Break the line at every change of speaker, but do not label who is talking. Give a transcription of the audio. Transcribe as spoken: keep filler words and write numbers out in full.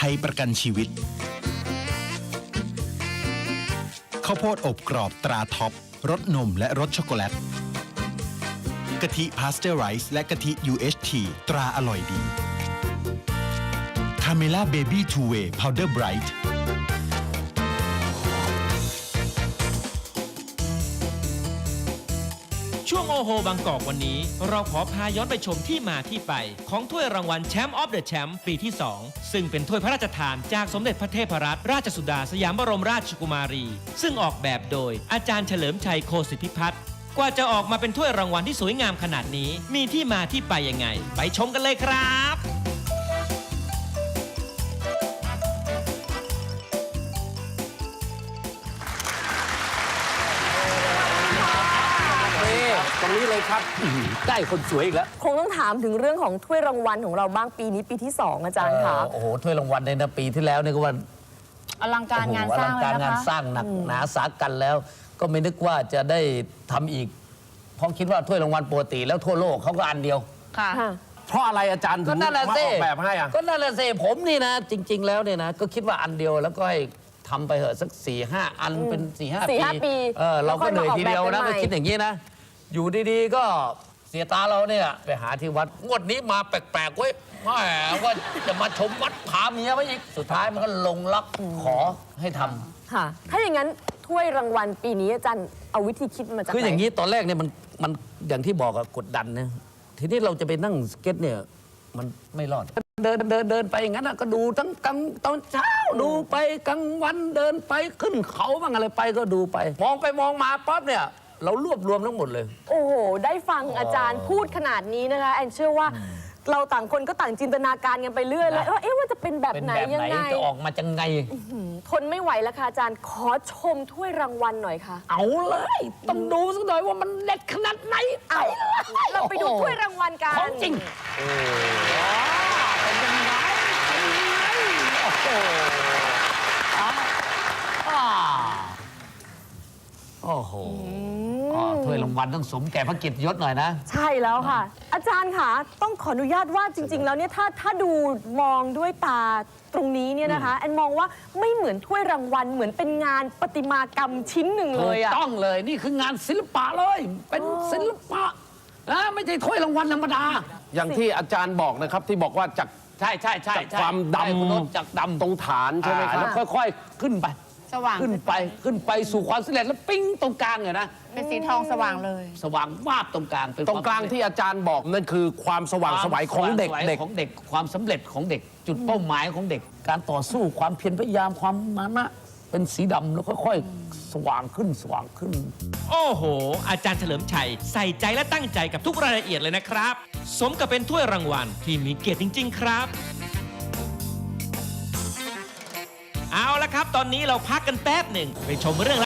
ยประกันชีวิตข้าวโพดอบกรอบตราท็อปรสนมและรสช็อกโกแลตกะทิพาสเจอร์ไรซ์และกะทิ ยู เอช ที ตราอร่อยดีคาเมล่าเบบี้ทูเวย์พาวเดอร์ไบรท์
ช่วงโอโหบางกอกวันนี้เราขอพาย้อนไปชมที่มาที่ไปของถ้วยรางวัลแชมป์ออฟเดอะแชมป์ปีที่สองซึ่งเป็นถ้วยพระราชทานจากสมเด็จพระเทพรัตนราชสุดาสยามบรมราชกุมารีซึ่งออกแบบโดยอาจารย์เฉลิมชัยโคสิทธิพัฒน์กว่าจะออกมาเป็นถ้วยรางวัลที่สวยงามขนาดนี้มีที่มาที่ไปยังไงไปชมกันเลยครับ
ตรงนี้เลยครับได้คนสวยอีกแล้ว
คงต้องถามถึงเรื่องของถ้วยรางวัลของเราบ้างปีนี้ปีที่สองอาจารย์คะ
โอ้โหถ้วยรางวัลในนะปีที่แล้วเนี่ยก็ว่า
อลังการงานสร้าง
อลังการงานสร้างหนักหนาสากันแล้ว ก็ไม่นึกว่าจะได้ทำอีกเพราะคิดว่าถ้วยรางวัลปกติแล้วทั่วโลกเขาก็อันเดียว
ค่ะ
เพราะอะไรอาจารย์ถึงมาออกแบบให้อ่ะก็นั่นแหละสิผมนี่นะจริงๆแล้วเนี่ยนะก็คิดว่าอันเดียวแล้วก็ให้ทำไปเหอะสักสี่ห้าอันเป็นสี่ห้าปีเออเราก็เหนื่อยทีเดียวนะก็คิดอย่างนี้นะอยู่ดีๆก็เสียตาเราเนี่ยไปหาที่วัดงวดนี้มาแปลกๆเว้ยแหมว่าจะมาชมวัดพาเมียไว้อีกสุดท้ายมันก็ลงล็อกขอให้ทำ
ค่ะถ้าอย่างนั้นถ้วยรางวัลปีนี้อาจารย์เอาวิธีคิดมาจากไหน
คืออย่างนี้ตอนแรกเนี่ยมันมันอย่างที่บอกอะกดดันนะทีนี้เราจะไปนั่งสเก็ตเนี่ยมันไม่รอดเดินเดินเดินไปอย่างนั้นก็ดูทั้งกลางตอนเช้าดูไปกลางวันเดินไปขึ้นเขาบ้างอะไรไปก็ดูไปมองไปมองมาปั๊บเนี่ยเรารวบรวมทั้งหมดเลย
โอ้โหได้ฟังอาจารย์พูดขนาดนี้นะคะแอนเชื่อว่าเราต่างคนก็ต่างจินตนาการกันไปเรื่อยแล้วเอ๊ะว่าจะเป็นแบบไหนยังไง
จะออกมาจังไง
ทนไม่ไหวแล้วค่ะอาจารย์ขอชมถ้วยรางวัลหน่อยค่ะ
เอาเลยต้องดูสักหน่อยว่ามันเด็ดขนาดไหนเอา
เราไปดูถ้วยรางวัลกัน
ของจริงเป็นยังไงเป็นยังไงโอ้โหโอ้โหถ้วยรางวัลต้องสมแก่พระเกียรติยศหน่อยนะ
ใช่แล้วค่ะอาจารย์ค่ะต้องขออนุญาตว่าจริงๆแล้วเนี่ยถ้าถ้าดูมองด้วยตาตรงนี้เนี่ยนะคะแอนมองว่าไม่เหมือนถ้วยรางวัลเหมือนเป็นงานประติมากรรมชิ้นหนึ่งเลยอะ
ต้องเลยนี่คืองานศิลปะเลยเป็นศิลปะนะไม่ใช่ถ้วยรางวัลธรรมดา
อย่างที่อาจารย์บอกนะครับที่บอกว่าจาก
ใช่ใช่ใช่
จากความดำ
จากดำ
ตรงฐานใช่ไหมครับ
แล้วค่อยๆขึ้นไป
สว่าง
ขึ้นไปขึ้นไปสู่ความสำเร็จแล้วปิ้งตรงกลางเนี่ยนะ
เป็นสีทองสว่างเลย
สว่างวาบตรงกลาง
ตรงกลางที่อาจารย์บอกนั่นคือความสว่างไสวของเด็กเด็ก
ของเด็กความสำเร็จของเด็กจุดเป้าหมายของเด็กการต่อสู้ความเพียรพยายามความมานะเป็นสีดำแล้วค่อยๆสว่างขึ้นสว่างขึ้น
โอ้โหอาจารย์เฉลิมชัยใส่ใจและตั้งใจกับทุกรายละเอียดเลยนะครับสมกับเป็นถ้วยรางวัลที่มีเกียรติจริงๆครับเอาละครับตอนนี้เราพักกันแป๊บหนึ่งไปชมเรื่อง